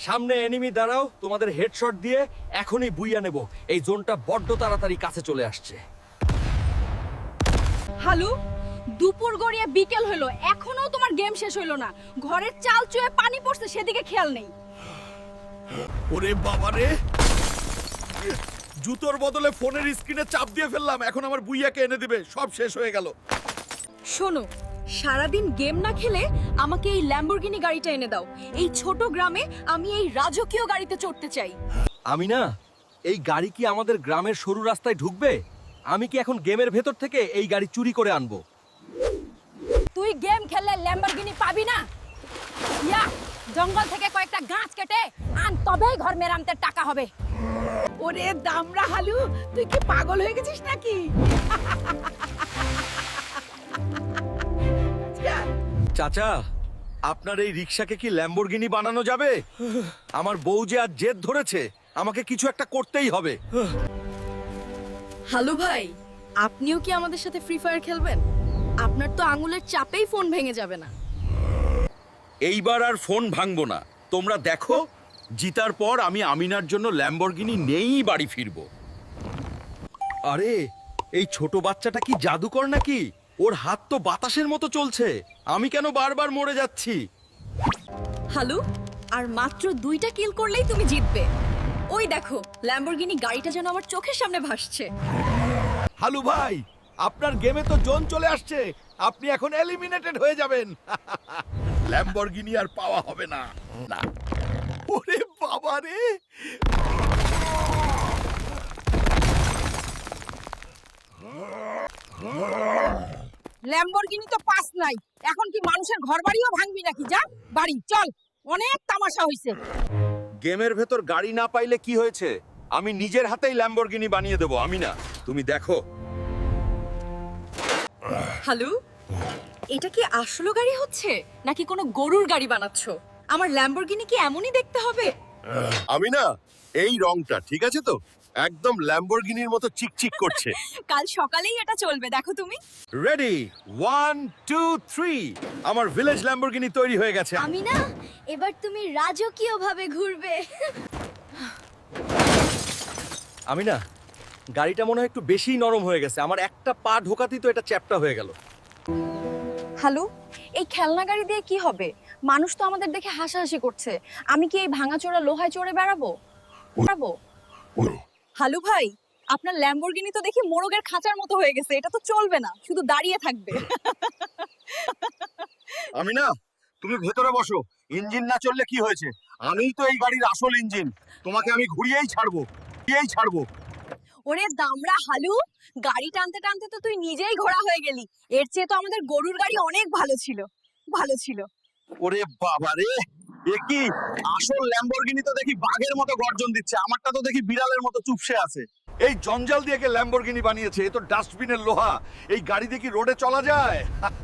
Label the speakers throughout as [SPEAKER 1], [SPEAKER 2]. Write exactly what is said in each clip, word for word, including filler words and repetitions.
[SPEAKER 1] সামনে এনিমি দাঁড়াও, তোমাদের হেডশট দিয়ে এখনই বুইয়া নেব। এই জোনটা বড্ড তাড়াতাড়ি কাছে চলে আসছে।
[SPEAKER 2] হালু, দুপুর গড়িয়ে বিকেল হলো, এখনো তোমার গেম শেষ হইলো না। ঘরের চাল চুয়ে পানি পড়ছে, সেদিকে খেয়াল নেই।
[SPEAKER 1] ওরে বাবা রে, জুতোর বদলে ফোনের স্ক্রিনে চাপ দিয়ে ফেললাম। এখন আমার বুইয়াকে এনে দিবে, সব শেষ হয়ে গেল।
[SPEAKER 2] শোনো, সারাদিন গেম না খেলে আমাকে এই ল্যাম্বরগিনি গাড়িটা এনে দাও। এই ছোট গ্রামে আমি এই রাজকীয় গাড়িতে চড়তে চাই।
[SPEAKER 1] আমি না, এই গাড়ি কি আমাদের গ্রামের সরু রাস্তায় ঢুকবে? আমি কি এখন গেমের ভেতর থেকে এই গাড়ি চুরি করে আনবো?
[SPEAKER 2] তুই গেম খেললে ল্যাম্বরগিনি পাবি না। ইয়া, জঙ্গল থেকে কয়েকটা গাছ কেটে আন, তবেই ঘর মেরামতের টাকা হবে।
[SPEAKER 3] ওরে দামড়া হালু, তুই কি পাগল হয়ে গেছিস নাকি?
[SPEAKER 1] চাচা, আপনার এই রিক্সাকে কি ল্যাম্বরগিনি বানানো যাবে? আমার বউ যে আজ জেদ ধরেছে, আমাকে কিছু একটা করতেই হবে।
[SPEAKER 2] হ্যালো ভাই, আপনিও কি আমাদের সাথে ফ্রি ফায়ার খেলবেন? আপনার তো আঙুলের চাপেই ফোন ভেঙে যাবে না।
[SPEAKER 1] এইবার আর ফোন ভাঙবো না। তোমরা দেখো, জিতার পর আমি আমিনার জন্য ল্যাম্বরগিনি নেই বাড়ি ফিরবো। আরে, এই ছোট বাচ্চাটা কি জাদুকর নাকি? ওর হাত তো বাতাসের মতো চলছে। আমি কেন বারবার মরে যাচ্ছি?
[SPEAKER 2] হ্যালো, আর মাত্র দুইটা কিল করলেই তুমি জিতবে। ওই দেখো, ল্যাম্বরগিনি গাড়িটা যেন আমার চোখের সামনে ভাসছে।
[SPEAKER 1] হালু ভাই, আপনার গেমে তো জোন চলে আসছে। আপনি এখন এলিমিনেটেড হয়ে যাবেন। ল্যাম্বরগিনি আর পাওয়া হবে না। না। ওরে বাবা রে!
[SPEAKER 3] ল্যাম্বরগিনি তো পাস নাই, এখন কি মানুষের ঘর বাড়িও ভাঙবি নাকি? যা বাড়ি চল, অনেক তামাশা হইছে।
[SPEAKER 1] গেমের ভেতর গাড়ি না পাইলে কি হয়েছে? আমি নিজের হাতেই ল্যাম্বরগিনি বানিয়ে দেবো। আমি না, তুমি দেখো।
[SPEAKER 2] হ্যালো, এটা কি আসলো গাড়ি হচ্ছে নাকি কোনো গরুর গাড়ি বানাচ্ছো? আমার ল্যাম্বরগিনি কি এমনই দেখতে হবে?
[SPEAKER 4] আমি না, এই রংটা ঠিক আছে তো, একদম ল্যাম্বরগিনির মতো চিকচিক করছে।
[SPEAKER 2] কাল সকালেই এটা চলবে, দেখো তুমি।
[SPEAKER 1] Ready, one two three. আমার ভিলেজ ল্যাম্বরগিনি তৈরি হয়ে গেছে।
[SPEAKER 2] আমি না, এবার তুমি রাজকীয় ভাবে ঘুরবে।
[SPEAKER 1] আমি না, গাড়িটা মনে হয় একটু বেশি নরম হয়ে গেছে। আমার একটা পা ঢোকাতেই তো এটা চ্যাপ্টা হয়ে গেল।
[SPEAKER 2] হ্যালো, এই খেলনা গাড়ি দিয়ে কি হবে? মানুষ তো আমাদের দেখে হাসাহাসি করছে। আমি কি এই ভাঙাচোরা লোহায় চড়ে বেড়াবো? বেড়াবো? হ্যালো ভাই, আপনার ল্যাম্বরগিনি তো দেখি মোরগের খাঁচার মতো হয়ে গেছে। এটা তো চলবে না, শুধু দাঁড়িয়ে থাকবে।
[SPEAKER 4] আমি না, তুমি ভেতরে বসো। ইঞ্জিন না চললে কি হয়েছে? আমিই তো এই গাড়ির আসল ইঞ্জিন। তোমাকে আমি ঘুরিয়েই ছাড়বো, ঘুরিয়েই ছাড়বো।
[SPEAKER 2] ওরে দামড়া হালু, গাড়ি টানতে টানতে তো তুই নিজেই ঘোড়া হয়ে গেলি। এর চেয়ে তো আমাদের গরুর গাড়ি অনেক ভালো ছিল, ভালো ছিল।
[SPEAKER 4] ওরে বাবা রে, এ কি? আসল ল্যাম্বরগিনি তো দেখি বাঘের মতো গর্জন দিচ্ছে, আমারটা তো দেখি বিড়ালের মতো চুপসে আছে।
[SPEAKER 1] এই জঞ্জাল দিয়ে কে ল্যাম্বরগিনি বানিয়েছে? এ তো ডাস্টবিনের লোহা। এই গাড়ি দিয়ে কি রোডে চলা যায়?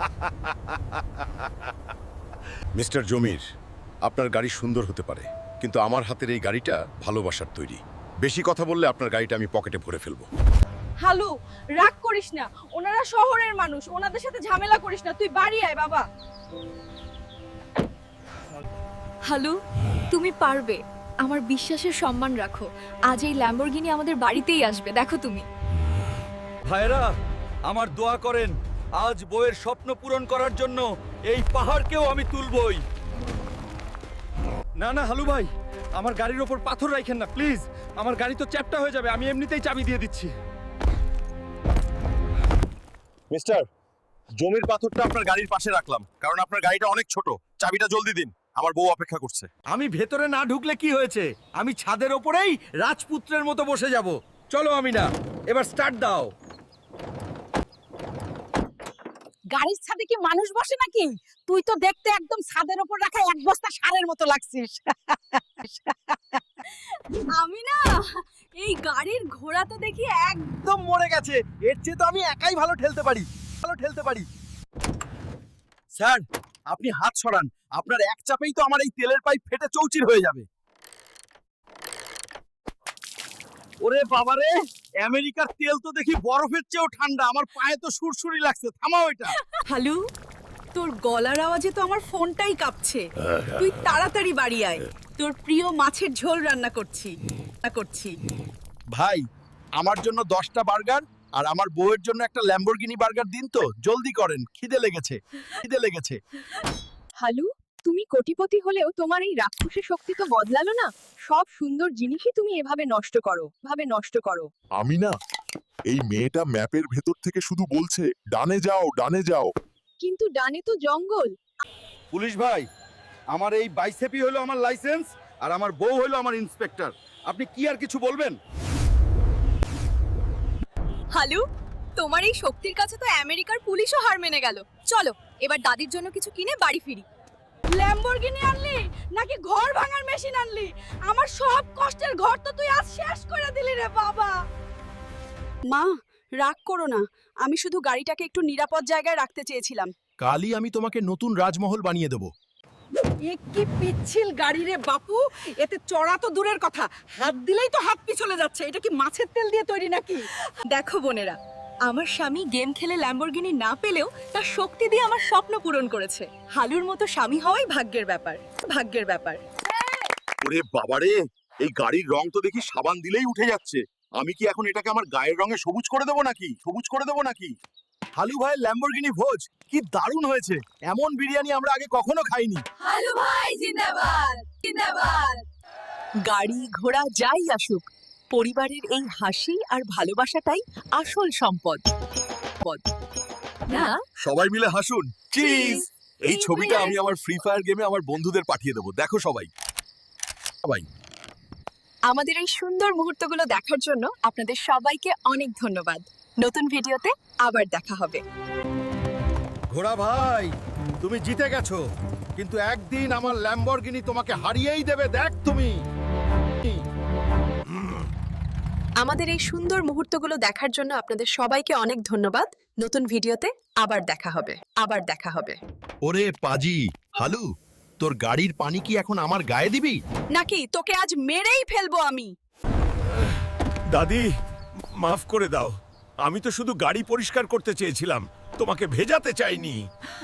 [SPEAKER 4] মিস্টার জমির, আপনার গাড়ি সুন্দর হতে পারে, কিন্তু আমার হাতের এই গাড়িটা ভালোবাসার তৈরি। বেশি কথা বললে আপনার গাড়িটা আমি পকেটে ভরে ফেলবো।
[SPEAKER 3] হালু, রাগ করিস না, ওনারা শহরের মানুষ, ওনাদের সাথে ঝামেলা করিস না। তুই বাড়ি আয় বাবা।
[SPEAKER 2] হালু, তুমি পারবে। আমার বিশ্বাসের সম্মান রাখো। আজ এই ল্যাম্বরগিনি আমাদের বাড়িতেই আসবে, দেখো তুমি।
[SPEAKER 1] ভাইরা, আমার দোয়া করেন। আজ বইয়ের স্বপ্ন পূরণ করার জন্য এই পাহাড়কেও আমি তুলবই। না না হালু ভাই, আমার গাড়ির ওপর পাথর রাখেন না প্লিজ। আমার গাড়ি তো চ্যাপ্টা হয়ে যাবে। আমি এমনিতেই চাবি দিয়ে দিচ্ছি।
[SPEAKER 4] মিস্টার, জমির পাথরটা আপনার গাড়ির পাশে রাখলাম, কারণ আপনার গাড়িটা অনেক ছোট। চাবিটা জলদি দিন, আমার বউ অপেক্ষা করছে।
[SPEAKER 1] আমি ভেতরে না ঢুকলে কি হয়েছে? আমি ছাদের ওপরেই রাজপুত্রের মতো বসে যাব। চলো আমি না, এবার স্টার্ট দাও।
[SPEAKER 3] গাড়ির ছাদে কি মানুষ বসে নাকি? তুই তো দেখতে একদম ছাদের উপর রাখা এক বস্তা সারের মতো লাগছিস।
[SPEAKER 2] আমি না, এই গাড়ির ঘোড়া তো দেখি এক
[SPEAKER 1] একদম মরে গেছে। এর চেয়ে তো আমি একাই ভালো ঠেলতে পারি, ভালো ঠেলতে পারি।
[SPEAKER 4] স্যার, আপনি হাত সরান। আপনার এক চাপেই তো আমার এই তেলের পাইপ ফেটে চৌচির হয়ে যাবে।
[SPEAKER 1] ওরে বাবারে, আমেরিকার তেল তো দেখি বরফের চেয়েও ঠান্ডা। আমার পায়ে তো সুরসুরি লাগছে। থামাও এটা।
[SPEAKER 2] হালু,
[SPEAKER 3] তোর গলার আওয়াজে তো আমার ফোনটাই কাঁপছে তুই তাড়াতাড়ি বাড়ি আয় তোর প্রিয় মাছের ঝোল রান্না করছি রান্না করছি
[SPEAKER 1] ভাই আমার জন্য দশটা বার্গার আর আমার বউয়ের জন্য একটা ল্যাম্বরগিনি বার্গার দিন তো জলদি করেন খিদে লেগেছে খিদে লেগেছে
[SPEAKER 2] হালু তুমি কোটিপতি হলেও তোমার এই রাক্ষসের শক্তি তো বদলালো না সব সুন্দর জিনিসই তুমি এভাবে নষ্ট করো ভাবে নষ্ট করো
[SPEAKER 5] আমি না এই মেয়েটা ম্যাপের ভেতর থেকে শুধু বলছে ডানে যাও ডানে যাও
[SPEAKER 2] কিন্তু ডানে তো জঙ্গল
[SPEAKER 1] পুলিশ ভাই আমার এই বাইসেপি হলো আমার লাইসেন্স আর আমার বউ হলো আমার ইন্সপেক্টর আপনি কি আর কিছু বলবেন
[SPEAKER 2] হালু তোমার এই শক্তির কাছে তো আমেরিকার পুলিশও হার মেনে গেল চলো এবার দাদির জন্য কিছু কিনে বাড়ি ফিরি
[SPEAKER 3] ল্যাম্বরগিনি আনলি নাকি ঘর ভাঙার মেশিন আনলি আমার সব কষ্টের ঘর তো তুই আজ শেষ করে দিলি রে বাবা মা রাগ করো না আমি শুধু গাড়িটাকে একটু নিরাপদ জায়গায় রাখতে চেয়েছিলাম
[SPEAKER 1] কালই আমি তোমাকে নতুন রাজমহল বানিয়ে দেব
[SPEAKER 3] এ কি পিচ্ছিল গাড়ি রে বাপু এতে চড়া তো দূরের কথা হাত দিলেই তো হাত পিছলে যাচ্ছে এটা কি মাছের তেল দিয়ে তৈরি নাকি
[SPEAKER 2] দেখো বোনেরা আমার স্বামী গেম খেলে ল্যাম্বরগিনি না পেলেও তার শক্তি দিয়ে আমার স্বপ্ন পূরণ করেছে হালুর মতো স্বামী হওয়াই ভাগ্যের ব্যাপার ভাগ্যের ব্যাপার
[SPEAKER 4] ওরে বাবারে এই গাড়ির রং তো দেখি সাবান দিলেই উঠে যাচ্ছে আমি কি এখন এটাকে আমার গায়ের রঙে সবুজ করে দেবো নাকি সবুজ করে দেবো নাকি
[SPEAKER 1] হালু ভাই ল্যাম্বরগিনি ভোজ কি দারুণ হয়েছে এমন বিরিয়ানি আমরা আগে কখনো খাইনি
[SPEAKER 2] হালু ভাই জিন্দাবাদ জিন্দাবাদ
[SPEAKER 3] গাড়ি ঘোড়া যাই আসুক পরিবারের এই হাসি আর ভালোবাসাটাই আসল সম্পদ পদ।
[SPEAKER 2] না
[SPEAKER 1] সবাই মিলে হাসুন চিজ এই ছবিটা আমি আমার ফ্রি ফায়ার গেমে আমার বন্ধুদের পাঠিয়ে দেবো দেখো সবাই সবাই
[SPEAKER 2] আমাদের এই সুন্দর মুহূর্তগুলো দেখার জন্য আপনাদের সবাইকে অনেক ধন্যবাদ নতুন ভিডিওতে আবার দেখা হবে
[SPEAKER 1] ঘোড়া ভাই তুমি জিতে গেছো কিন্তু একদিন আমার ল্যাম্বরগিনি তোমাকে হারিয়েই দেবে দেখ তুমি
[SPEAKER 2] আমাদের এই সুন্দর মুহূর্তগুলো দেখার জন্য আপনাদের সবাইকে অনেক ধন্যবাদ নতুন ভিডিওতে আবার দেখা হবে আবার দেখা হবে
[SPEAKER 1] ওরে পাজি হালু তোর গাড়ির পানি কি এখন আমার গায়ে দিবি
[SPEAKER 3] নাকি তোকে আজ মেরেই ফেলবো আমি
[SPEAKER 6] দাদি মাফ করে দাও আমি তো শুধু গাড়ি পরিষ্কার করতে চেয়েছিলাম তোমাকে ভেজাতে চাইনি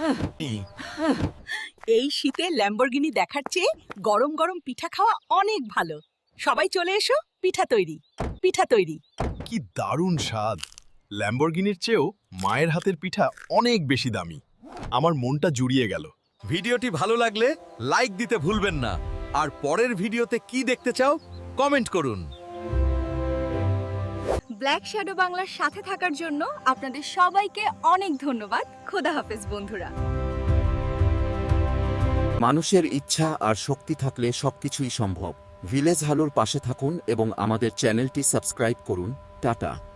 [SPEAKER 3] এই শীতে ল্যাম্বরগিনি দেখার চেয়ে গরম গরম পিঠা খাওয়া অনেক ভালো সবাই চলে এসো পিঠা তৈরি পিঠা তৈরি
[SPEAKER 1] কি দারুণ স্বাদ ল্যাম্বরগিনির চেয়েও মায়ের হাতের পিঠা অনেক বেশি দামি আমার মনটা জুড়িয়ে গেল ভিডিওটি ভালো লাগলে লাইক দিতে ভুলবেন না আর পরের ভিডিওতে কি দেখতে চাও কমেন্ট করুন
[SPEAKER 2] ব্ল্যাক শ্যাডো বাংলার সাথে থাকার জন্য আপনাদের সবাইকে অনেক ধন্যবাদ খোদা হাফেজ বন্ধুরা
[SPEAKER 7] মানুষের ইচ্ছা আর শক্তি থাকলে সবকিছুই সম্ভব ভিলেজ হালোর পাশে থাকুন এবং আমাদের চ্যানেলটি সাবস্ক্রাইব করুন টাটা।